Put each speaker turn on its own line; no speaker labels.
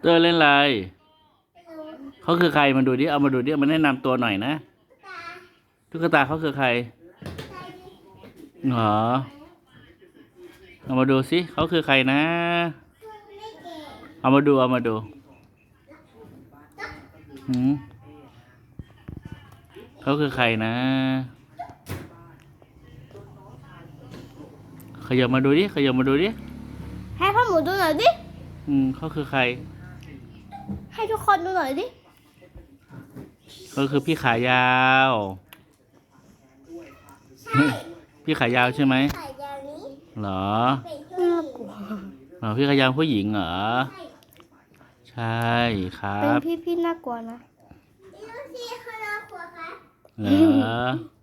อร์เล่นอะไร
ไม่รู้
เขาคือใครมาดูดิเอามาดูดิมันแนะนำตัวหน่อยนะ
ตา
ตุ๊กตาเขาคือใคร
ใครดิ
เหรอเอามาดูสิเขาคือใครนะ
ไม่เก่ง
เอามาดูหืมเขาคือใครนะขยับมาดูดิ
ให้พ่อหมูดูหน่อยดิ
เขาคือใคร
ให้ทุกคนดูหน่อยดิ
เขาคือพี่ขายาว
ใช่
พี่ขายาวใช่ไหม
ไข่ยาวนี้
เหรอ
เป็นผู้หญิง
เหรอพี่ขายาวผู้หญิงเหรอ
ใช่
ใช่ครั
เป็น
บ
พี่น่ากลัวนะ
นี่ลูกซีเขาน่ากลัวครับ
เหรอ